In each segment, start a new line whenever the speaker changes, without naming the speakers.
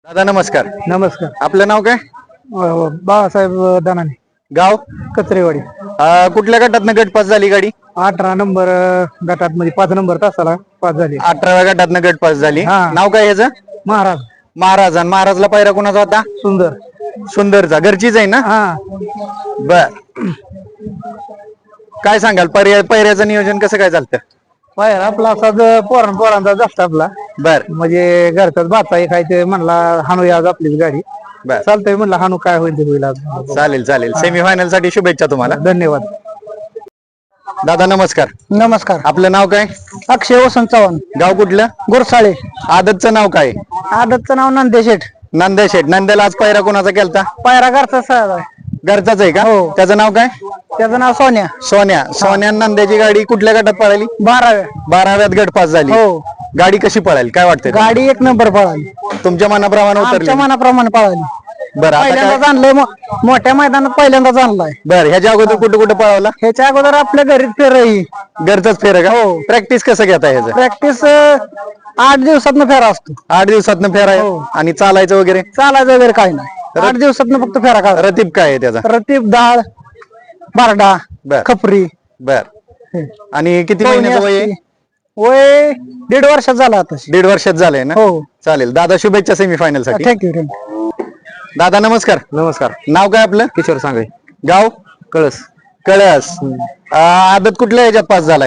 दादा नमस्कार.
नमस्कार.
आपलं नाव काय?
बाळासाहेब दानाने,
गाव?
कचरेवाडी.
कुठल्या गटातनं गटपास झाली गाडी?
18 नंबर गटात मध्ये 5 नंबर तासाला पास झाली.
18व्या गटातनं गटपास झाली.
हा.
नाव काय ह्याचं?
महाराज
महाराज. आणि महाराजला पायरा कोणाचा होता?
सुंदर.
सुंदरचा. घरचीच आहे ना?
हा,
बर. काय सांगाल पायऱ्याचं नियोजन कसं काय चालतं?
बाहेर आपला असाच पोरांचा जास्त आपला,
बर
म्हणजे घरचाच भाचा एक आहे ते म्हणला हाणू आज आपलीच गाडी.
बर.
चालतंय म्हणलं हाणू, काय होईल ते होईल आज.
चालेल चालेल. सेमीफायनल साठी शुभेच्छा तुम्हाला.
धन्यवाद.
दादा नमस्कार.
नमस्कार.
आपलं नाव काय?
अक्षय वसंत चव्हाण,
गाव कुठलं?
गुरसाळे.
आदतचं नाव काय?
आदतचं नाव नंदेशेठ.
नंद्या शेठ. नंद्याला आज पायरा कोणाचा केलता?
पायरा घरचा सहज आहे.
घरचाच आहे का?
हो.
त्याचं नाव काय?
त्याचं नाव सोन्या.
सोन्या नंद्याची गाडी कुठल्या गटात पळाली?
12व्या.
12व्यात गट पास झाली.
हो.
गाडी कशी पळाली काय वाटतंय?
गाडी 1 नंबर पळाली.
तुमच्या मनाप्रमाणे उतरली?
आमच्या मनाप्रमाणे पळाली.
बरं आता
पहिल्यांदाच
काय?
आणलंय, मोठ्या मैदानात पहिल्यांदाच आणलाय.
बरं, ह्याच्या अगोदर कुठे कुठे पळवला?
ह्याच्या अगोदर आपल्या घरीच फेरही.
घरचाच फेर का?
हो.
प्रॅक्टिस कसं घेता ह्याचं?
प्रॅक्टिस 8 दिवसातनं फेरा असतो.
8 दिवसातनं फेर आहे.
हो.
आणि चालायचं वगैरे?
चालायचं वगैरे काही नाही. 8 दिवसातनं फक्त फेरा काढा.
रतीब काय आहे त्याचा?
रतीब, डाळ, बारडा,
बर.
खपरी.
बर. आणि किती महिन्याचं वय आहे?
वय 1.5 वर्षात झाला आता.
1.5 वर्षात झालंय ना?
हो.
चालेल. दादा शुभेच्छा सेमीफायनल साठी.
थँक्यू.
दादा नमस्कार.
नमस्कार.
नाव काय आपलं?
किशोर सांगळे,
गाव?
कळस.
कळस. आदत कुठल्या ह्याच्यात पास झालाय?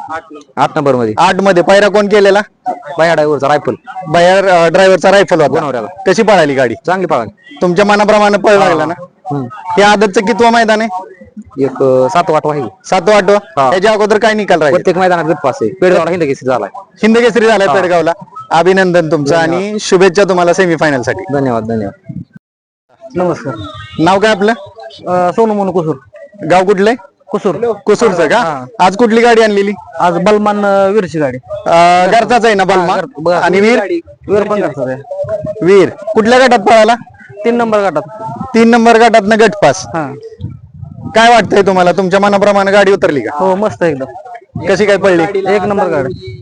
8 नंबर मध्ये.
8 मध्ये. पायरा कोण केलेला?
बाया ड्रायव्हरचा रायफल.
बाहेर ड्रायव्हरचा रायफल होता.
गुणवऱ्याला.
कशी पळाली गाडी?
चांगली पाळा.
तुमच्या मनाप्रमाणे पळ लागला ना? हे आदतचं कितवं मैदान आहे?
एक 7-8 आहे.
7वा 8वा?
हा.
ह्याच्या अगोदर काय निकाल राहील?
प्रत्येक मैदानात गटपास आहे. पेडगावला हिंद केसरी झालाय.
हिंद केसरी झालाय पेडगावला. अभिनंदन तुमचं आणि शुभेच्छा तुम्हाला सेमीफायनल साठी.
धन्यवाद धन्यवाद.
नमस्कार.
नाव काय आपलं?
सोनू मोनू कुसूर.
गाव कुठलंय?
कुसूर.
कुसूरचं का? आज कुठली गाडी आणलेली?
आज बलमान वीरची गाडी.
घरचाच आहे ना बलमा? आणि वीर?
वीर पण घरचा आहे.
वीर कुठल्या गटात पळाला?
3 नंबर गटात.
3 नंबर गटात गटपास.
हा.
काय वाटतंय तुम्हाला? तुमच्या मनाप्रमाणे गाडी उतरली का?
हो, मस्त एकदम.
कशी काय पडली?
1 नंबर गाडी.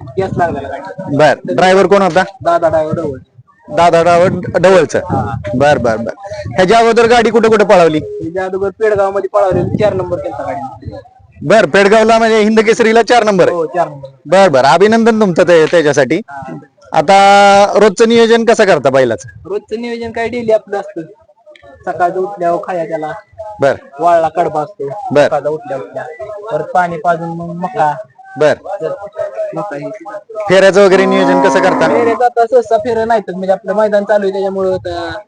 बर. ड्रायव्हर कोण होता?
दादा ड्रायव्हर.
दादा ड्रायव्हर डवळचं. बर बर बर. ह्याच्या अगोदर गाडी कुठे कुठे पळवली?
जादूगर पेडगाव मध्ये पळावलेली 4 नंबर केलता गाडी.
बर. पेडगावला म्हणजे हिंद केसरीला 4 नंबर आहे.
हो, 4 नंबर.
बर बर. अभिनंदन तुमचं त्याच्यासाठी. आता रोजचं नियोजन कसं करता बैलाचं?
रोजचं नियोजन काय डेली आपलं असतं. सकाळचं उठल्यावर खाया त्याला
बर
वाळला कडबा असतो.
बर.
सकाळचा उठल्या परत पाणी पाजून मग मका.
बर.
मका ही
फेऱ्याचं वगैरे नियोजन कसं करता?
फेरे जाता सहसा फेरे नाहीत, म्हणजे आपलं मैदान चालू आहे त्याच्यामुळं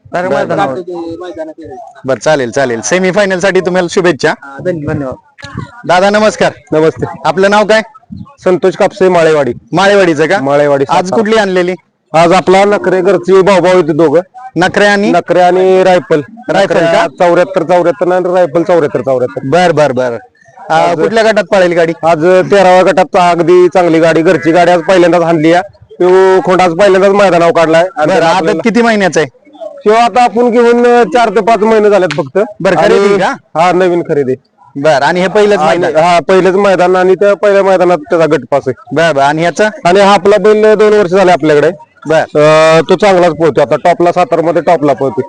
मैदान.
बर. चालेल चालेल. सेमीफायनल साठी तुम्हाला शुभेच्छा.
धन्यवाद.
दादा नमस्कार.
नमस्ते.
आपलं नाव काय?
संतोष कापसे, माळेवाडी.
माळेवाडीचं का?
माळेवाडी.
आज कुठली आणलेली?
आज आपला नखरे घरची भाऊ होते दोघं.
नखरे आणि
नखरे आणि रायफल.
रायफल का?
74 आणि रायफल 74.
बर बर बर. कुठल्या गटात पळेल गाडी?
आज 13व्या गटात अगदी चांगली गाडी, घरची गाडी आज पहिल्यांदाच आणली आहे. तो खोंड आज पहिल्यांदाच मैदानावर काढलाय.
बरं. आदत किती महिन्याचं आहे?
किंवा आता आपण घेऊन 4 ते 5 महिने झालेत फक्त.
बरं. खरेदी का?
हा, नवीन खरेदी.
बर. आणि हे पहिलंच मैदान?
हा, पहिलेच मैदान आणि त्या पहिल्या मैदानात त्याचा गटपास आहे.
बर बर. आणि ह्याचं?
आणि हा आपला बैल 2 वर्ष झाले आपल्याकडे.
बर.
तो चांगलाच पोहतो आता. टॉपला सातारमध्ये टॉपला पोहतो.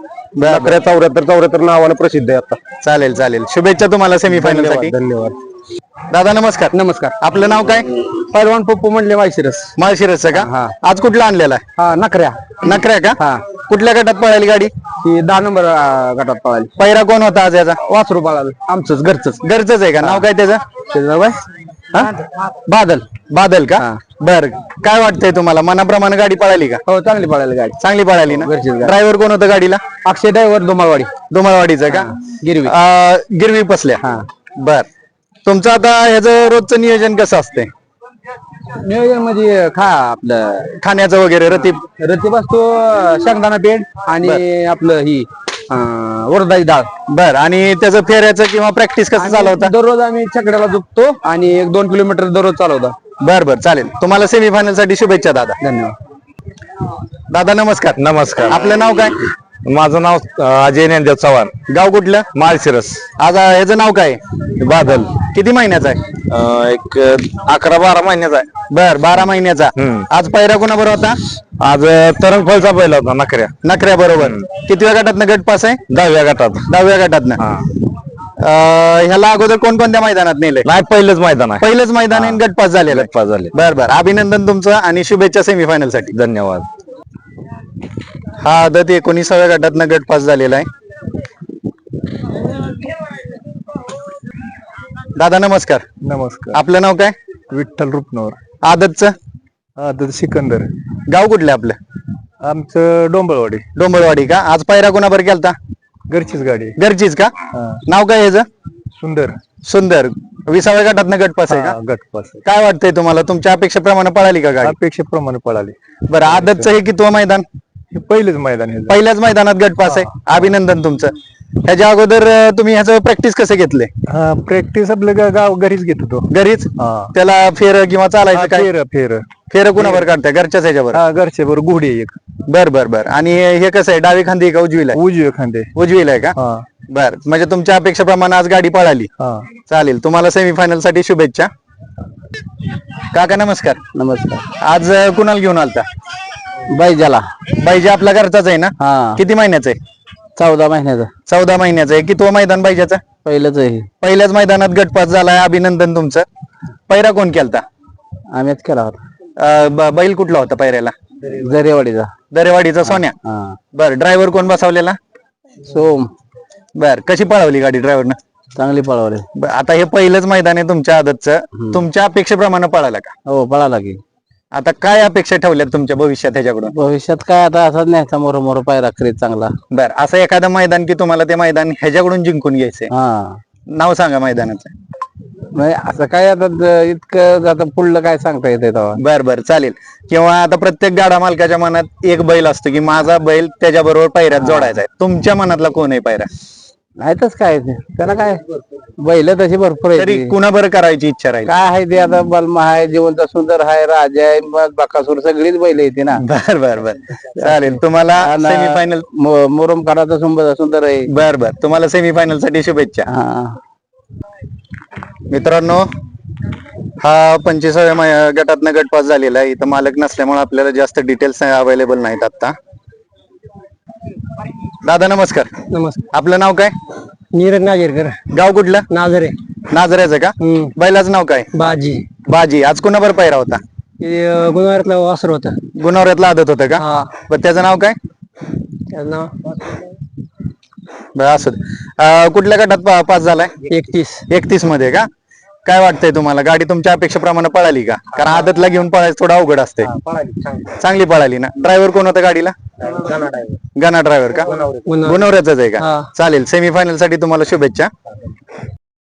74 नावाने प्रसिद्ध आहे आता.
चालेल चालेल. शुभेच्छा तुम्हाला सेमीफायनल साठी.
धन्यवाद.
दादा नमस्कार.
नमस्कार.
आपलं नाव काय?
पैलवान पप्पू म्हणले माळशिरस.
माळशिरसचं का?
हा.
आज कुठला आणलेला आहे?
हा, नखऱ्या.
नखऱ्या का?
हा.
कुठल्या गटात पळाली गाडी?
ही 10 नंबर गटात पळाली.
पैरा कोण होता आज याचा?
वासरू पळालं आमचंच घरचंच.
घरचंच आहे का? नाव काय त्याचं?
त्याचं नाव काय? बादल.
बादल का? बर. काय वाटतंय तुम्हाला? मनाप्रमाणे गाडी पळाली का?
हो, चांगली पळाली गाडी.
चांगली पळाली ना?
घरचीच गाडी.
ड्रायव्हर कोण होतं गाडीला?
अक्षय ड्रायव्हर, दोमाळवाडी.
दुमाळवाडीचं का?
गिरवी.
गिरवी पसल्या.
हा.
बर. तुमचं आता ह्याचं रोजचं नियोजन कसं असतंय?
नियोजन मध्ये आपलं
खाण्याचं वगैरे? रतीब
रतीब असतो, शेंगदाणा पेंड आणि आपलं ही उडदाची डाळ.
बर. आणि त्याचं फेऱ्याचं किंवा प्रॅक्टिस कसं चालवता?
दररोज आम्ही छकड्याला झुकतो आणि 1-2 किलोमीटर दररोज चालवतो.
बर बर. चालेल. तुम्हाला सेमीफायनल साठी शुभेच्छा दादा.
धन्यवाद.
दादा नमस्कार.
नमस्कार.
आपलं नाव काय?
माझं नाव अजय ज्ञानदेव चव्हाण,
गाव कुठलं?
माळशिरस.
आज ह्याचं नाव काय?
बादल.
किती महिन्याचा आहे?
एक 11-12 महिन्याचा आहे.
बर 12 महिन्याचा. आज पहिरा कोणाबरोबर होता?
आज तरंगफळचा पहिला होता नखऱ्या.
नखऱ्या बरोबर. कितव्या गटातनं गट पास आहे?
10व्या गटात.
10व्या गटातनं. ह्याला अगोदर कोणकोणत्या मैदानात नेले?
नाही, पहिलंच मैदान आहे.
पहिलंच मैदान आहे, गट पास झालेलं आहे.
गट पास झाले.
बर बर, अभिनंदन तुमचं आणि शुभेच्छा सेमीफायनल साठी.
धन्यवाद.
हा आदत 19व्या गटातनं गट पास झालेला आहे. दादा नमस्कार.
नमस्कार.
आपलं नाव काय?
विठ्ठल रुपनवर.
आदतचं
आदत सिकंदर.
गाव कुठलं आपलं?
आमचं डोंबळवाडी.
डोंबळवाडी का? आज पायरा कोणाबर केलता?
घरचीच गाडी.
घरचीच का? नाव काय ह्याचं?
सुंदर.
सुंदर. 20व्या गटातनं गट पास आहे का?
गटपास.
काय वाटतंय तुम्हाला? तुमच्या अपेक्षेप्रमाणे पळाली का गाडी?
अपेक्षेप्रमाणे पळाली.
बरं, आदतचं हे कितवं मैदान?
हे पहिलेच मैदान आहे.
पहिल्याच मैदानात गट पास आहे. अभिनंदन तुमचं. ह्याच्या अगोदर तुम्ही ह्याचं प्रॅक्टिस कसं घेतले?
हा, प्रॅक्टिस आपलं गाव घरीच घेत होतो.
घरीच?
हा.
त्याला फेर किंवा चालायचं काय?
फेर फेर.
फेर कुणावर काढताय? घरच्याच ह्याच्यावर?
हा, घरचे बरोबर गुढी एक.
बर बर बर. आणि हे कसं आहे, डावी खांदी का उजवीला आहे?
उजवे खांदे.
उजवीला आहे का?
हा
बर, म्हणजे तुमच्या अपेक्षेप्रमाणे आज गाडी पळाली.
हा.
चालेल, तुम्हाला सेमीफायनल साठी शुभेच्छा. काका नमस्कार.
नमस्कार.
आज कुणाला घेऊन आलता?
बैजाला.
बाईजा आपल्या घरचाच आहे ना?
हा.
किती महिन्याचं आहे?
14 महिन्याचा.
14 महिन्याचं आहे. कितवं मैदान बाईजाचं?
पहिलंच आहे.
पहिल्याच मैदानात गट पास झालाय. अभिनंदन तुमचं. पैरा कोण केलता?
आम्हीच केला होता.
बैल कुठला होता पैऱ्याला?
जरेवाडीचा.
दरेवाडीचा सोन्या.
हा.
बर, ड्रायव्हर कोण बसवलेला?
सोम.
बर, कशी पळवली गाडी ड्रायव्हरनं?
चांगली पळवली.
आता हे पहिलंच मैदान आहे तुमच्या आदतचं. तुमच्या अपेक्षेप्रमाणे पळाला का?
हो, पळाला की.
आता काय अपेक्षा ठेवल्यात तुमच्या भविष्यात ह्याच्याकडून?
भविष्यात काय आता असाच न्यायचा मोर पायरा करीत चांगला.
बर, असं एखादं मैदान की तुम्हाला ते मैदान ह्याच्याकडून जिंकून घ्यायचंय?
हा.
नाव सांगा मैदानाचं.
नाही असं काय आता इतकं आता पुढलं काय सांगता येते तेव्हा.
बर बर, चालेल. किंवा आता प्रत्येक गाडा मालकाच्या मनात एक बैल असतो की माझा बैल त्याच्याबरोबर पैऱ्यात जोडायचा आहे. तुमच्या मनातला कोण आहे पैरा?
नाहीतच काय ते. त्याला काय बैल तशी भरपूर आहे
तरी
ती.
कुणाबरोबर करायची इच्छा राहील?
काय आहे ते आता बलमा आहे, जिवंत सुंदर आहे, राजा आहे, मग बकासूर सगळीच बैल येते ना.
बर बर बर, चालेल. तुम्हाला सेमीफायनल.
मोरम काढाचा सुंदर आहे.
बर बर, तुम्हाला सेमीफायनल साठी शुभेच्छा.
हा.
मित्रांनो, हा 25व्या गटातनं गट पास झालेला आहे. इथं मालक नसल्यामुळे आपल्याला जास्त डिटेल्स अवेलेबल नाहीत आता. दादा नमस्कार.
नमस्कार.
आपलं नाव काय?
नीरज नागेरकर.
गाव कुठलं?
नाझरे.
नाझऱ्याचं का? बैलाचं नाव काय?
बाजी.
बाजी. आज कुणाबर पैरा होता?
गुणवारातला वासर होता.
गुणवऱ्यातला आदत होतं का?
हा.
बरं, त्याचं नाव काय?
त्याचं नाव
बरं, असू दे. कुठल्या गटात पास झालाय? 31 मध्ये का? काय वाटतंय तुम्हाला? गाडी तुमच्या अपेक्षेप्रमाणे पळाली का? कारण आदतला घेऊन पळायचं थोडं अवघड असते. चांगली पळाली ना? ड्रायव्हर कोण होता गाडीला? गणा ड्रायव्हर का? गुणवऱ्याचाच आहे का? चालेल, सेमीफायनल साठी तुम्हाला शुभेच्छा.